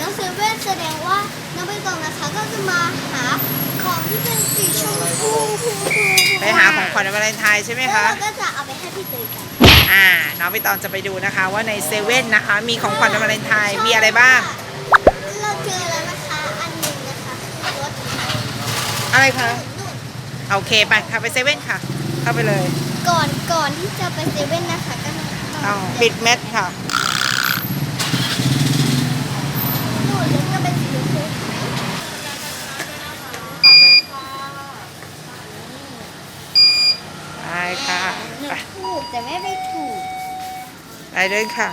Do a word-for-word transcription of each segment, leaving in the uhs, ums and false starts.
น้องเซเว่นแสดงว่าน้องใบตองนะคะก็จะมาหาของที่เป็นสีชมพูไปหาของขวัญวันวาเลนไทน์ใช่ไหมแล้วคะเราก็จะเอาไปให้พี่เตยกันอ่าน้องใบตองจะไปดูนะคะว่าในเซเว่นนะคะมีของขวัญวันวาเลนไทน์มีอะไรบ้างเราเจอแล้วนะคะอันหนึงนะคะคือรถอะไรคะนู่นโอเคไปค่ะไปเซเว่นค่ะ เข้าไปเลยก่อนก่อนที่จะไปเซเว่นนะคะก็ต้องเอาปิดเม็ดค่ะนู่นแล้วก็เป็นสีชมพูไปค่ะหนูไปถูกแต่ไม่ไปถูกไปเลยค่ะ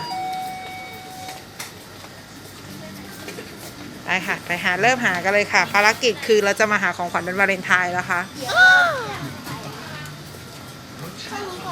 ไปค่ะไปหาเริ่มหากันเลยค่ะภารกิจคือเราจะมาหาของขวัญเป็นวาเลนไทน์แล้วค่ะเดี๋ยวเราจะไปข้างนี้ก่อน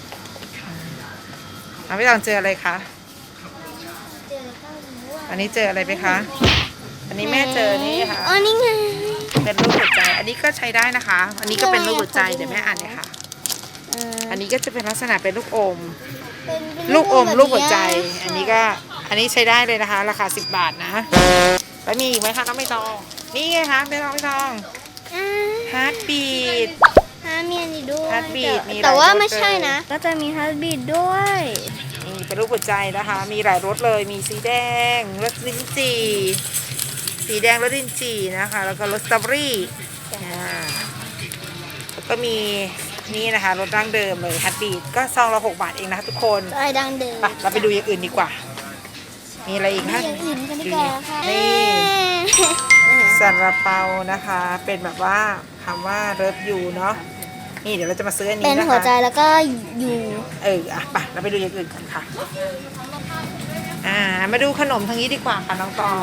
น้องใบตองเจออะไรคะเจอข้างนี้ว่าอันนี้เจออะไรไหมคะ อันนี้แม่เจอนี่ค่ะอ๋อนี่ไงเป็นรูปหัวใจ อันนี้ก็ใช้ได้นะคะ อันนี้ก็เป็นรูปหัวใจ เดี๋ยวแม่อ่านเลยค่ะเอ่ออันนี้ก็จะเป็นลักษณะเป็นลูกอมเป็นเป็นลูกอมแบบลูกหัวใจเนี้ยอันนี้ก็ อันนี้ใช้ได้เลยนะคะ ราคาสิบบาทนะ แล้วมีอีกไหมคะน้องใบตอง นี่ไงคะเป็นน้องใบตองอ่าฮาร์ดบีดฮาร์ดมีอันนี้ด้วย Heartbeat มีหลายแต่ว่ารสไม่ใช่เลยนะ ก็จะมีฮาร์ดบีดด้วยนี่เป็นรูปหัวใจนะคะ มีหลายรสเลย มีสีแดง รสลิ้นจี่ สีแดงรสลิ้นจี่นะคะ แล้วก็รสสตรอเบอรี่อ่าแล้วก็มีนี่นะคะรสดั้งเดิมเลยฮัตบีดก็ซองละหกบาทเองนะคะทุกคนอะไรดังเดิมไปเราไปดูอย่างอื่นดีกว่า มีอะไรอีกดูคะอย่างอื่นกันดีกว่าค่ะนี่ซาลาเปานะคะ เป็นแบบว่าคำว่าเลิฟยูเนาะ นี่เดี๋ยวเราจะมาซื้ออันเป็นี้นนะคะหัวใจแล้วก็อยู่เอออ่ะไปเราไปดูอย่างอื่นกันค่ะ อ่า มาดูขนมทางนี้ดีกว่าค่ะน้องตอง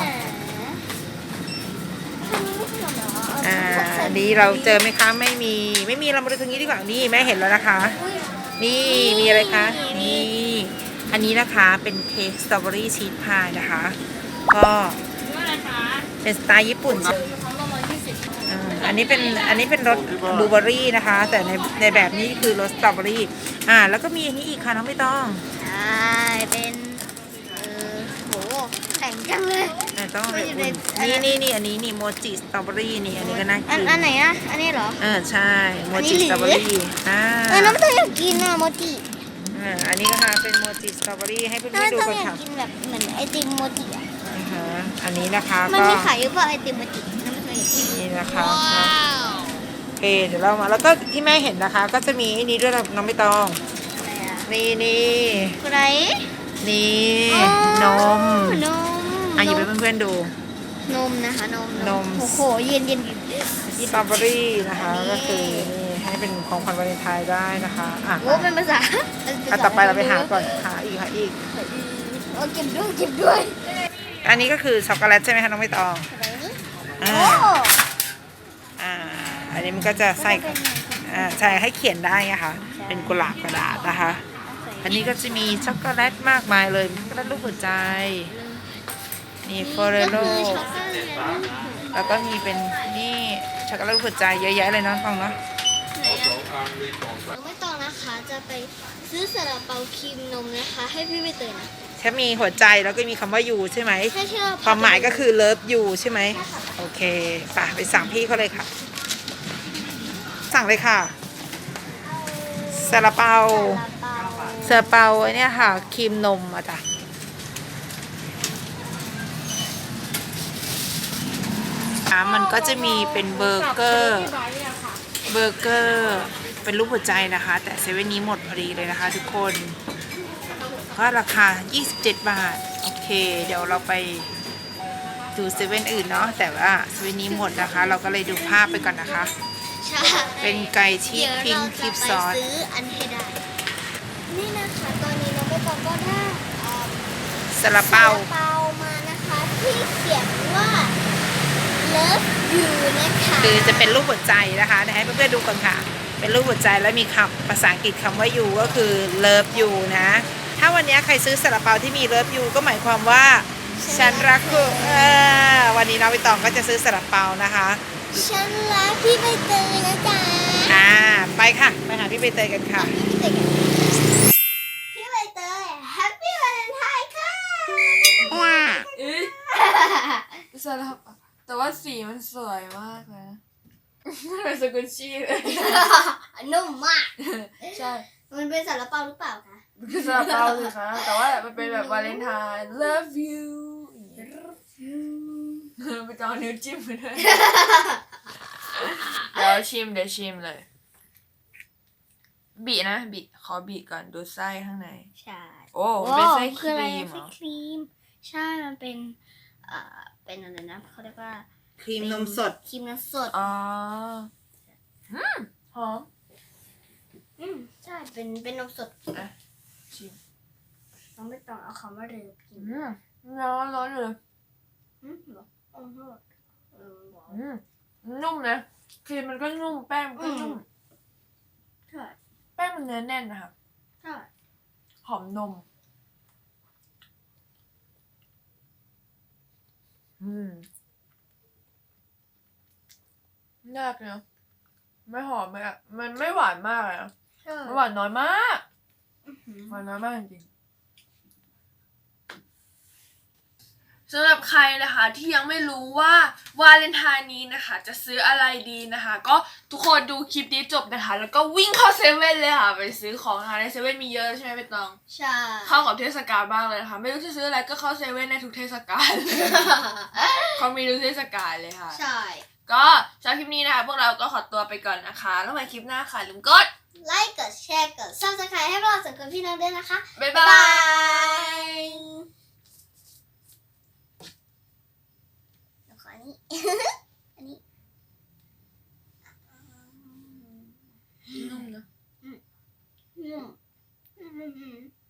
อ่าอันนี้เราเจอไหมคะไม่มีไม่มีเรามาดูทางนี้ดีกว่านี่แม่เห็นแล้วนะคะ นี่มีอะไรคะนี่อันนี้นะคะเป็นเค้กสตรอเบอรี่ชีสพายนะคะ ก็เป็นสไตล์ญี่ปุ่นอ่าอันนี้เป็นอันนี้เป็นรสบลูเบอร์รี่นะคะ แต่ในในแบบนี้คือรสสตรอเบอรี่อ่าแล้วก็มีอันนี้อีกค่ะน้องไม่ต้องใช่เป็นเออโหแข็งจังเลยอ่าต้องไปอุ่นนี่นี่นี่อันนี้นี่โมจิสตรอเบอรี่นี่อันนี้ก็น่าอันกินอันไหนอะอันนี้เหรอเออใช่โมอันนี้จิหรือสตรอเบอรี่อ่าเออน้องไม่ต้องอยากกินอะโมจิอ่าอันนี้ก็ค่ะเป็นโมจิสตรอเบอรี่ให้เพื่น้องอนไม่ๆดูต้องกันอยากค่ะกินแบบเหมือนไอติมโมจิอะนะคะอันนี้นะคะมันก็มีขายหรือเปล่าไอติมโมจิน้องไม่เคยเห็นนี่นะคะโอเคเดี๋ยวเรามาแล้วก็ที่แม่เห็นนะคะ ก็จะมีไอ้นี้ด้วยนะน้องไม่ต้องอะไรอะนี่นี่อะไรนี่อ๋อนมนมอ่ะหยิบให้เพื่อนๆดูนมนะคะนมนมโอ้โหเย็นเย็นสตรอเบอรี่นะคะอันนี้ก็คือนี่ให้เป็นของขวัญวาเลนไทน์ได้นะคะอ่ะโอ้เป็นภาษาอ่ะต่อไปเราไปหาก่อนหาอีกหาอีกโอ้เก็บด้วยเก็บด้วยอันนี้ก็คือช็อกโกแลตใช่ไหมคะน้องไม่ตองอะไรนี่อ่าโอ้อ่าอันนี้มันก็จะใส่เป็นไงอ่าใช่ให้เขียนได้ไงคะเป็นกุหลาบกระดาษนะคะ อันนี้ก็จะมีช็อกโกแลตมากมายเลยช็อกโกแลตรูปหัวใจนี่ฟอเรโลก็คือช็อกโกแลตแล้วก็มีเป็นนี่ช็อกโกแลตรูปหัวใจเยอะแยะเลยเนาะฟังเนาะน้องไม่ต้องนะคะ จะไปซื้อซาลาเปาครีมนมนะคะ ให้พี่ใบเตยนะแค่มีหัวใจแล้วก็มีคำว่ายูใช่ไหมใช่ใช่ความหมายก็คือเลิฟยูใช่ไหมโอเคไป่ะไปสั่งพี่เขาเลยค่ะ สั่งเลยค่ะซาลาเปาซาลาเปาซาลาเปาไอ้เนี่ยค่ะครีมนมอ่ะจ้ะอ่ะมันก็จะมีเป็นเบอร์เกอร์เบอร์เกอร์เป็นรูปหัวใจนะคะ แต่เซเว่นนี้หมดพอดีเลยนะคะทุกคนก็ราคายี่สิบเจ็ดบาทโอเคเดี๋ยวเราไปดูเซเว่นอื่นเนาะแต่ว่าเซเว่นนี้หมดนะคะ เราก็เลยดูภาพไปก่อนนะคะใช่เป็นไก่ชีสเดี๋ยวพิงเราค์คจะลิปไปซอสซื้ออันให้ได้ นี่นะคะตอนนี้น้องไม่ต้องก็ได้เอ่อซาลาเปาซลเปามานะคะที่เขียนว่า love you นะคะคือจะเป็นรูปหัวใจนะคะเดี๋ยวให้เพื่อนๆดูก่อนค่ะ เป็นรูปหัวใจแล้วมีคำภาษาอังกฤษคำว่า you ก็คือ love you นะ ถ้าวันนี้ใครซื้อซาลาเปาที่มี love you ก็หมายความว่าฉันรักคุณเออวันนี้น้องใบตองก็จะซื้อซาลาเปานะคะฉันรักพี่ใบเตยนะจ๊ะอ่าไปค่ะไปหาพี่ใบเตยกันค่ะพี่ใบเตยกันพี่ใบเตย Happy Valentine ค่ะซาลาเปาแต่ว่าสีมันสวยมากนะมันเป็นสกุลชี่เลยนุ่มมากใช่มันเป็นซาลาเปาหรือเปล่าคะมันคือซาลาเปาสิคะแต่ว่ามันเป็นแบบวาเลนไทน์ love you ไปจองนิ้วจิ้มไปด้วยเดี๋ยวชิมเดี๋ยวชิมเลย บีนะบีขอบีก่อนดูไส้ข้างในใช่โอ้เป็นไส้คคืออะไรรีมเหรไส้อครีม ใช่ มันเป็นเอ่อเป็นอะไรนะเขาเรียกว่าครีมนมสดครีมนมสดอ๋ออืมหอมอืมใช่ เป็นเป็นนมสดอ่ะชิมน้องไม่ต้องเอาคำว่าเรือกินอืมร้อนร้อนเลยอืมเหรออ๋อเหรอเออว้าวอืมนุ่มนะครีมมันก็นุ่มแป้งมันก็นุ่มใช่แป้งมันเนื้อแน่นนะคะใช่หอมนม อืมยากเนอะไม่หอมเลยอ่ะ มันไม่หวานมากเลยนะใช่มันหวานน้อยมากอื้อหือหวานน้อยมากจริงสำหรับใครนะคะที่ยังไม่รู้ว่าวาเลนไทน์นี้นะคะ จะซื้ออะไรดีนะคะ ก็ทุกคนดูคลิปนี้จบนะคะ แล้วก็วิ่งเข้าเซเว่นเลยค่ะ ไปซื้อของนะคะในเซเว่นมีเยอะใช่ไหมใบตองใช่เข้ากับเทศกาลบ้างเลยนะคะ ไม่รู้จะซื้ออะไรก็เข้าเซเว่นในทุกเทศกาล เขามีทุกเทศกาลเลยค่ะใช่ก็สำหรับคลิปนี้นะคะพวกเราก็ขอตัวไปก่อนนะคะแล้วมาคลิปหน้าค่ะลืมกดไลค์ กดแชร์ กด ซับสไครต์ให้พวกเราสองคนพี่น้องด้วยนะคะบ๊ายบ๊ายบาบาย ยเดี๋ยวขออันนี้ อันนี้นุ่มนะอืมอืมอืม